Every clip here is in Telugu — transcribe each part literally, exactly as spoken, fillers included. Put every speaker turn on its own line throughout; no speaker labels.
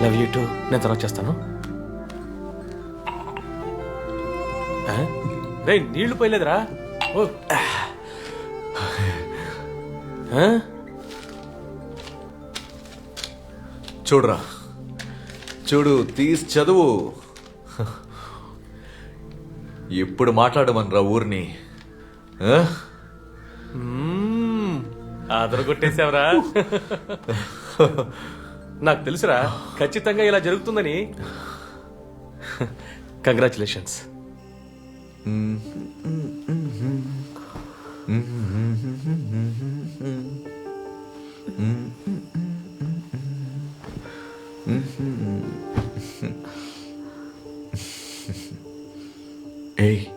Love you two. నేను తర్వాత చేస్తాను. రే నీళ్లు పోయలేదురా. ఓ
చూడరా, చూడు, తీసి చదువు. ఎప్పుడు మాట్లాడమనరా ఊరిని.
ఆదర కొట్టేశావరా. నాకు తెలుసురా ఖచ్చితంగా ఇలా జరుగుతుందని. కంగ్రాచులేషన్స్.
ఏయ్,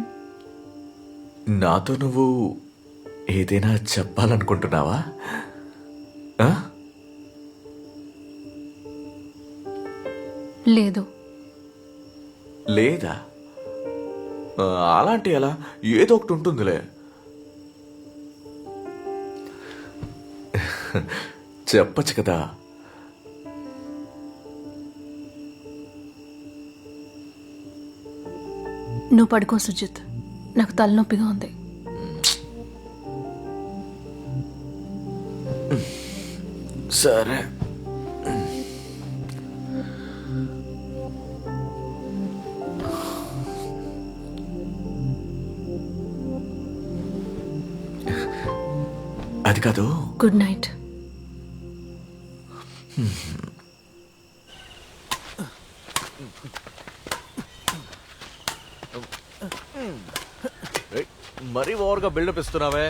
నాతో నువ్వు ఏదైనా చెప్పాలనుకుంటున్నావా?
లేదు.
లేదా? అలాంటి ఎలా? ఏదో ఒకటి ఉంటుందిలే. చెప్పచ్చు కదా.
నువ్వు పడుకో సుజిత్, నాకు తలనొప్పిగా ఉంది.
సరే. అది కాదు.
Good night.
మరీ ఓవర్గా బిల్డప్ ఇస్తున్నావే.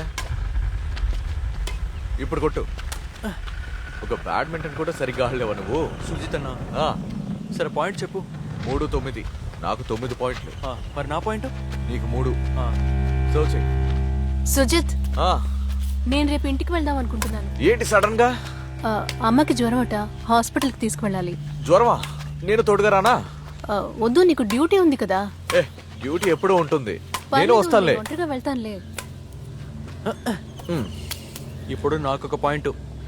ఇప్పుడు కొట్టు. ఒక బ్యాడ్మింటన్ కూడా సరిగ్గా ఆడలేవా నువ్వు?
సుజిత్ అన్న, సరే పాయింట్ చెప్పు.
మూడు తొమ్మిది. నాకు తొమ్మిది పాయింట్లు.
మరి నా పాయింట్?
నీకు మూడు. సో చెయ్యి.
సుజిత్, నేను రేపు ఇంటికి వెళ్దాం అనుకుంటున్నాను.
ఏంటి సడన్ గా?
అమ్మకి జ్వరం అట, హాస్పిటల్కి తీసుకువెళ్ళాలి.
జ్వరమా? నేను తోడుగా రానా?
వద్దు, నీకు డ్యూటీ ఉంది కదా.
ఏ, డ్యూటీ ఎప్పుడూ ఉంటుంది. నేను వస్తానులే.
ఒంటరిగా వెళ్తానులే.
ఇప్పుడు నాకు ఒక పాయింట్.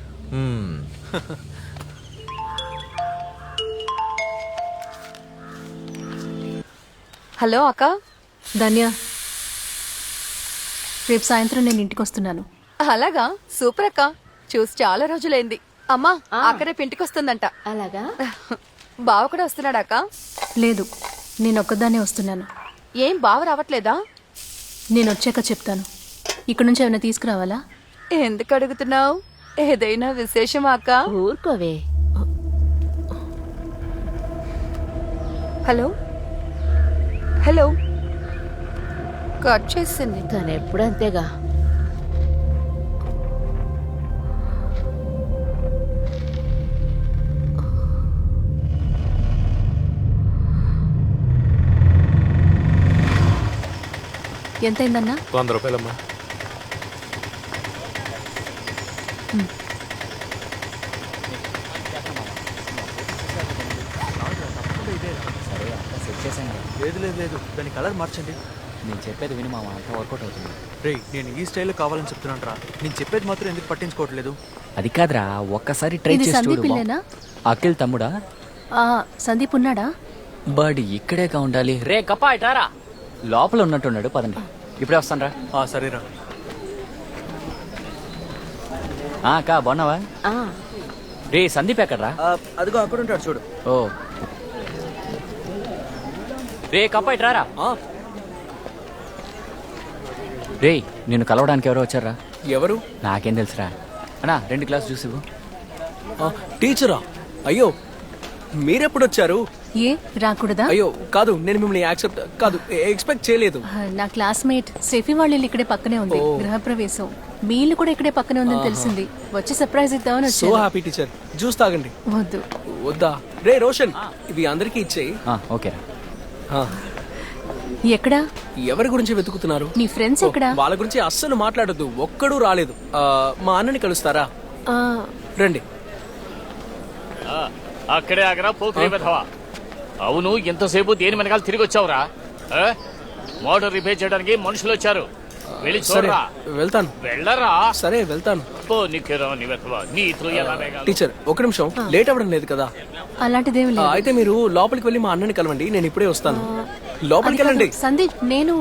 హలో అక్క.
ధన్య, రేపు సాయంత్రం నేను ఇంటికి వస్తున్నాను.
అలాగా? సూపర్ అక్క, చూసి చాలా రోజులైంది. అమ్మా అక్క రేపు ఇంటికి వస్తుందంట.
అలాగా?
బావ కూడా వస్తున్నాడా అక్క?
లేదు, నేను ఒక్కదాన్నే వస్తున్నాను.
ఏం బావ రావట్లేదా?
నేను వచ్చాక చెప్తాను. ఇక్కడ నుంచి ఏమైనా తీసుకురావాలా?
ఎందుకు అడుగుతున్నావు? ఏదైనా విశేషమా అక్క?
ఊరుకోవే.
హలో హలో కట్ చేసింది.
తను ఎప్పుడు అంతేగా.
ఎంతైందన్నా?
వంద రూపాయలమ్మా.
లేదు లేదు లేదు, దాని కలర్ మార్చండి.
నేను చెప్పేది విని మామ, అంతా వర్కౌట్ అవుతుంది.
రే, నేను ఈ స్టైల్లో కావాలని చెప్తున్నాను రా. నేను చెప్పేది మాత్రం ఎందుకు పట్టించుకోవట్లేదు?
అది కాదురా, ఒక్కసారి ట్రై చేసి
సందీప్
చూడు.
ఇల్లేనా?
అఖిల్ తమ్ముడా?
సందీప్ ఉన్నాడా?
బడ్ ఇక్కడేగా ఉండాలి. రే కప్పా ఇటారా, లోపల ఉన్నట్టున్నాడు. పదండి, ఇప్పుడే వస్తాను రా.
సరేరా.
అక్క బాగున్నావా? రే సందీప్ ఎక్కడ్రా?
అదిగో అక్కడ ఉంటాడు చూడు.
ఓ రే కప్పా ఇటారా. రే నిన్ను కలవడానికి ఎవరో వచ్చారా?
ఎవరు?
నాకేం తెలుసురా. అన్నా రెండు గ్లాస్ జ్యూస్ ఇవ్వు.
టీచరా? అయ్యో, మీరెప్పుడు వచ్చారు?
ఏ రాకూడదా?
అయ్యో కాదు, నేను మిమ్మల్ని యాక్సెప్ట్ కాదు ఎక్స్పెక్ట్ చేయలేదు.
నా క్లాస్మేట్ సెఫీ వాళ్ళ ఇల్లు ఇక్కడే పక్కనే ఉంది. గృహప్రవేశం మీ ఇల్లు కూడా ఇక్కడే పక్కనే ఉందని తెలిసింది. వచ్చి సర్ప్రైజ్ ఇద్దామని
సో
వచ్చాను.
Happy teacher. జ్యూస్ తాగండి.
వద్దు.
వద్దా? రే రోషన్, ఇవి అందరికీ ఇచ్చేయి.
ఓకే.
ఎక్కడా?
ఎవరి గురించి వెతుకుతున్నారు?
నీ ఫ్రెండ్స్ ఎక్కడా?
వాళ్ళ గురించి అస్సలు మాట్లాడొద్దు. ఒక్కడూ రాలేదు. మా అన్నని కలుస్తారా? రండి.
అక్కడే ఆగరా పోకిరి వెధవా. అవును, ఎంతసేపు దేని వెనకాల తిరిగి వచ్చావురా? మోటార్ రిపేర్ చేయడానికి మనుషులు వచ్చారు. వెళ్ళి చూడరా.
వెళ్తాను.
వెళ్ళరా.
సరే వెళ్తాను.
పో నిక్కేరా నీ వెధవా. నీ
టీచర్ ఒక నిమిషం, లేట్ అవ్వడం లేదు కదా?
అలాంటిదేమి
ఆ,
లేదు
అయితే మీరు లోపలికి వెళ్ళి మా అన్నని కలవండి, నేను ఇప్పుడే వస్తాను. లోపలికి
అది కాదు,
వెళ్ళండి.
సందీప్ నేను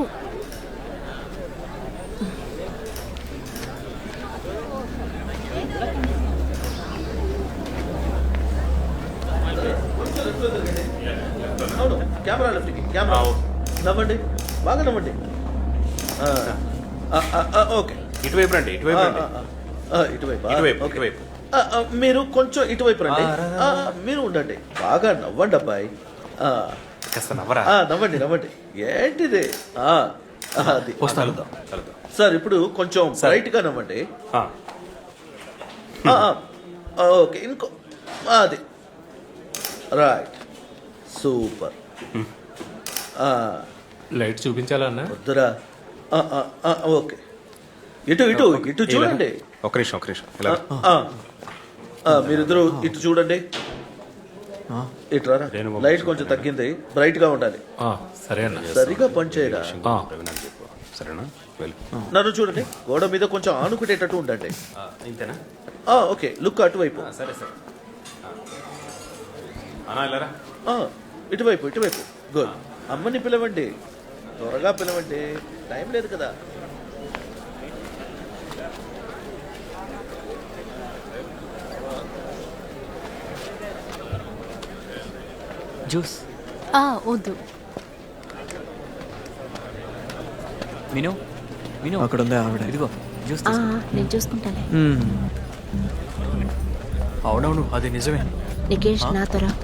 అవును కెమెరా లెఫ్ట్కి కెమెరా నవ్వండి బాగా నవ్వండి ఆ, ఆ, ఆ, ఆ, ఓకే
ఇటువైపు రండి
ఆ,
ఇటువైపు
ఆ,
రండి
ఆ, ఇటువైపు ఆ,
ఇటువైపు,
ఓకే.
ఇటువైపు.
ఆ, ఆ, మీరు కొంచెం ఇటువైపు రండి ఆ, మీరు ఉండండి బాగా నవ్వండి అబ్బాయి ఆ,
కాస్త నవ్వరా
ఆ, నవ్వండి నవ్వండి ఏంటిది ఆ, ఆ, అది
కలుద్దాం కలుద్దాం
సార్ ఇప్పుడు కొంచెం బ్రైట్ గా నవ్వండి
ఆ,
ఆ, ఆ, ఆ, ఓకే ఇంకో ఆ, అది రైట్ సూపర్ ఆ,
లైట్ చూపించాలా అన్న
వద్దురా ఆ, ఆ, ఆ, ఓకే ఇటు ఇటు ఇటు చూడండి
ఒక నిమిషం ఒక నిమిషం ఇలా రా.
ఆ, ఆ, మీరిద్దరు ఇటు చూడండి ఇటు రారా
రేణు
లైట్ కొంచెం తగ్గింది బ్రైట్ గా ఉండాలి
ఆ, సరే అన్న
సరిగా పనిచేయరా
ఆ.
ప్రవీణ్ చెప్పు
సరేనా వెళ్ళు
నన్ను చూడండి గోడ మీద కొంచెం ఆనుకునేటట్టు ఉండండి
ఆ, ఇంతేనా
ఆ, ఓకే లుక్ అటువైపు
ఆ, సరే సరే ఆ. అన్నా ఇలా రా.
ఆ, ఇటువైపు ఇటువైపు గుడ్ అమ్మని పిలవండి త్వరగా పిలవండి టైం లేదు కదా
జ్యూస్
ఆ, వద్దు
విను విను
అక్కడ ఉంది ఆవిడ.
ఇదిగో జ్యూస్
ఆ,
తీసుకో.
నేను చూసుకుంటాను.
మ్మ్. అవునవును అది నిజమే.
నికేష్ నాతో రా.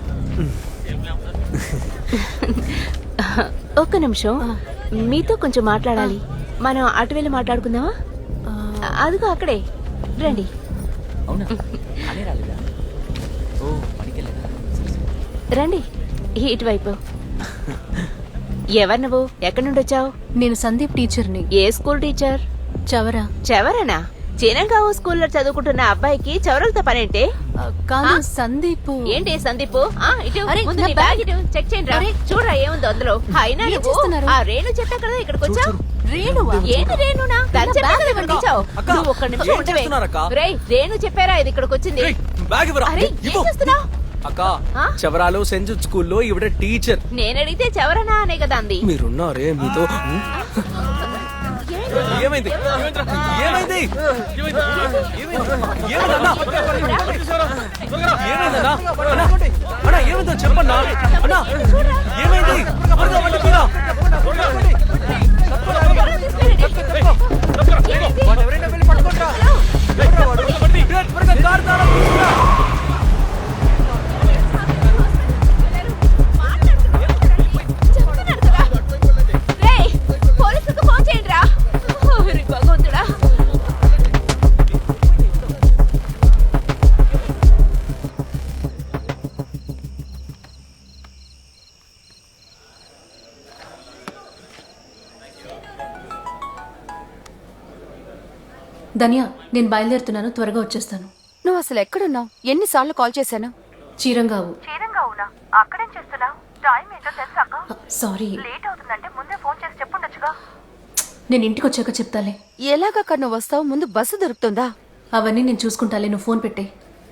ఒక్క నిమిషం మీతో కొంచెం మాట్లాడాలి. మనం అటు వెళ్ళి మాట్లాడుకుందామా? అదిగో అక్కడే రండి.
అవునా అనే రాలేదా ఓ పనికెళ్ళేదా
రండి ఇటువైపు. ఎవరు నువ్వు? ఎక్కడి నుండి వచ్చావు?
నేను సందీప్ టీచర్ని
ఏ స్కూల్ టీచర్?
చవరా
చెవరనా? చినంగావు స్కూల్లో చదువుకుంటున్న అబ్బాయికి చవరలతో పనేంటే?
ఆ, కాదు
ఆ?
సందీప్
ఏంటి సందీప్? ఆ, ఇటు
అరే,
ముందు
నా
నీ
బ్యాగ్.
బ్యాగ్ ఇటు చెక్ చేయండి రా.
అరే.
చూడరా ఏముందో అందులో. అయినా
ఏం
నువ్వు
చేస్తున్నారు?
ఆ రేణు చెప్పా కదా ఇక్కడికి వచ్చావు.
రేణువా
ఏంటి రేణునా? తను చెప్పా కదా ఇక్కడికి వచ్చావు.
అక్క,
నువ్వు ఒక్క నిమిషం
ఏం
ఉండవే.
చేస్తున్నారక్క?
రేయ్ రేణు చెప్పారా ఇది ఇక్కడికి వచ్చింది?
ఏయ్, బ్యాగ్ ఇవ్వరా.
అరే ఏం
ఇవ్వు.
చేస్తున్నావు?
అక్క
ఆ?
చవరాలు సెంట్ జూడ్ స్కూల్లో ఈవిడ టీచర్.
నేను అడిగితే చెవరనా అనే కదా అంది.
మీరున్నారే మీతో. ఏమైంది ఏమైంది ఏమైందన్నా? ఏమైందన్నా? అన్నా, అన్నా, ఏమైందో చెప్పన్నా. అన్నా, ఏమైంది? త్వరగా వండి తీరా. వాడు ఎవరైనా వెళ్ళి పట్టుకోండిరా. ఎవడ్రా వాడు? ఏ, త్వరగా కారు తాళం తీసుకురా.
చెప్తున్నాను కదా. రేయ్, పోలీసులకు ఫోన్ చేయండి రా. ఓరి భగవంతుడా.
ధన్య నేను బయలుదేరుతున్నాను త్వరగా వచ్చేస్తాను.
నువ్వు అసలు ఎక్కడున్నావు? ఎన్నిసార్లు కాల్ చేశాను?
చీరంగావు
చీరంగావునా? అక్కడేం చేస్తున్నావు? టైం ఏంటో తెలుసాక?
సారీ
లేట్ అవుతుందంటే ముందే ఫోన్ చేసి చెప్పుండొచ్చుగా.
నేను ఇంటికి వచ్చాక చెప్తాలే.
ఎలాగక్క నువ్వు వస్తావు? ముందు బస్సు దొరుకుతుందా?
అవన్నీ నేను చూసుకుంటాలే, నువ్వు ఫోన్ పెట్టే.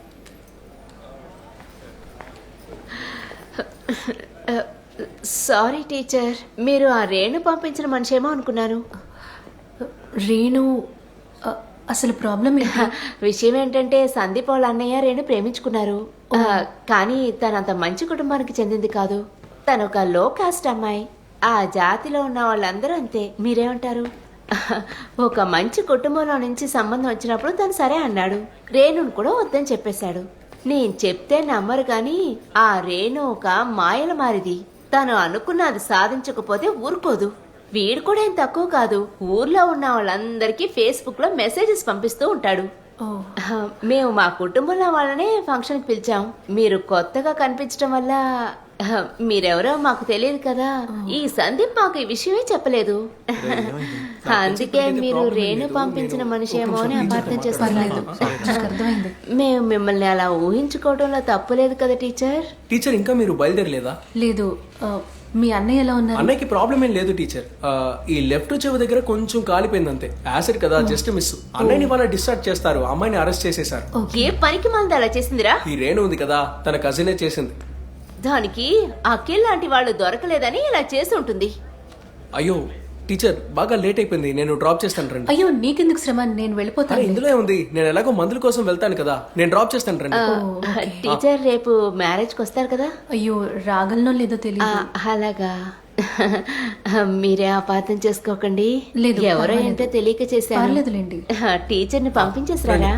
సారీ టీచర్, మీరు ఆ రేణు పంపించిన మనిషేమో అనుకున్నాను.
రేణు ఆ, అసలు ప్రాబ్లం ఏంటి?
విషయం ఏంటంటే సందీప్ వాళ్ళ అన్నయ్య రేణు ప్రేమించుకున్నారు. ఆ, కానీ తనంత మంచి కుటుంబానికి చెందింది కాదు. తను ఒక లో కాస్ట్ అమ్మాయి. ఆ జాతిలో ఉన్న వాళ్ళందరూ అంతే. మీరేమంటారు? ఒక మంచి కుటుంబంలో నుంచి సంబంధం వచ్చినప్పుడు తను సరే అన్నాడు. రేణును కూడా వద్దని చెప్పేశాడు. నేను చెప్తే నమ్మరు కానీ ఆ రేణు ఒక మాయల మారిది. తను అనుకున్నది సాధించకపోతే ఊరుకోదు. వీడు కూడా ఏం తక్కువ కాదు. ఊర్లో ఉన్న వాళ్ళందరికీ ఫేస్బుక్ లో మెసేజెస్ పంపిస్తూ ఉంటాడు.
ఓ
ఆ, మేము మా కుటుంబంలో వాళ్ళనే ఫంక్షన్ కి పిలిచాం. మీరు కొత్తగా కనిపించడం వల్ల ఆ, మీరెవరో మాకు తెలియదు కదా. ఈ సందీప్ మాకు ఈ విషయమే చెప్పలేదు. అందుకే మీరు రేణు పంపించిన మనిషేమో అని అపార్థం చేస్తున్నారు.
నాకు అర్థమైంది.
మేము మిమ్మల్ని అలా ఊహించుకోవడంలో తప్పులేదు కదా టీచర్.
టీచర్ ఇంకా మీరు బయలుదేరలేదా?
లేదు ఆ, మీ అన్నయ్య ఎలా ఉన్నారు?
అన్నయ్యకి ప్రాబ్లం ఏం లేదు టీచర్. ఆ, ఈ లెఫ్ట్ చెవి దగ్గర కొంచెం కాలిపోయింది అంతే. యాసిడ్ కదా, జస్ట్ మిస్. అన్నయ్యని వాళ్ళ డిశ్చార్జ్ చేస్తారు, అమ్మాయిని అరెస్ట్ చేసేశారు.
ఏ పనికి మంది అలా చేసిందిరా?
ఈ రేణు ఉంది కదా, తన కజినే చేసింది.
దానికి అఖిల్ లాంటి వాళ్ళు దొరకలేదని ఇలా చేసి ఉంటుంది.
అయ్యో టీచర్, బాగా లేట్ అయిపోయింది, నేను డ్రాప్ చేస్తాను రండి.
అయ్యో నీకెందుకు శ్రమ, నేను
అరే
వెళ్ళిపోతాను.
ఇందులో ఉంది, నేను ఎలాగో మందుల కోసం వెళ్తాను కదా, నేను డ్రాప్ చేస్తాను రండి.
టీచర్ రేపు మ్యారేజ్కి వస్తారు కదా?
అయ్యో రాగలనో లేదో
ఆ,
తెలియదు.
అలాగా. మీరే అపార్థం చేసుకోకండి.
లేదు,
ఎవరో
పర్వాలేదు.
ఏంటో తెలియక చేశాను.
పర్లేదులేండి.
టీచర్ని పంపించేసారా?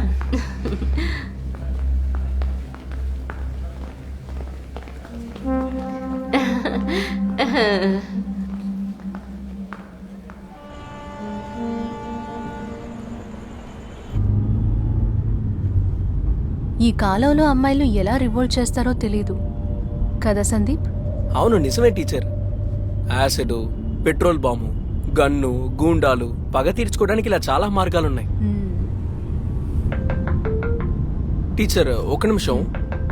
ఈ కాలంలో అమ్మాయిలు ఎలా రివోల్ట్ చేస్తారో తెలీదు కదా సందీప్?
అవును నిజమే teacher. Acid, petrol bomb, gun, గూండాలు, పగ తీర్చుకోవడానికి ఇలా చాలా మార్గాలున్నాయి.
మ్మ్.
టీచర్ ఒక నిమిషం.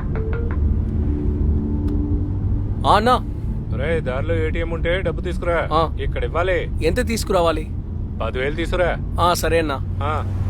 ఆ, అన్నా
రే దారిలో ఏటీఎం ఉంటే డబ్బు తీసుకురా.
ఆ.
ఇక్కడ ఇవ్వాలి.
ఎంత తీసుకురావాలి?
పదివేలు తీసుకురా.
ఆ, సరే అన్నా.
ఆ.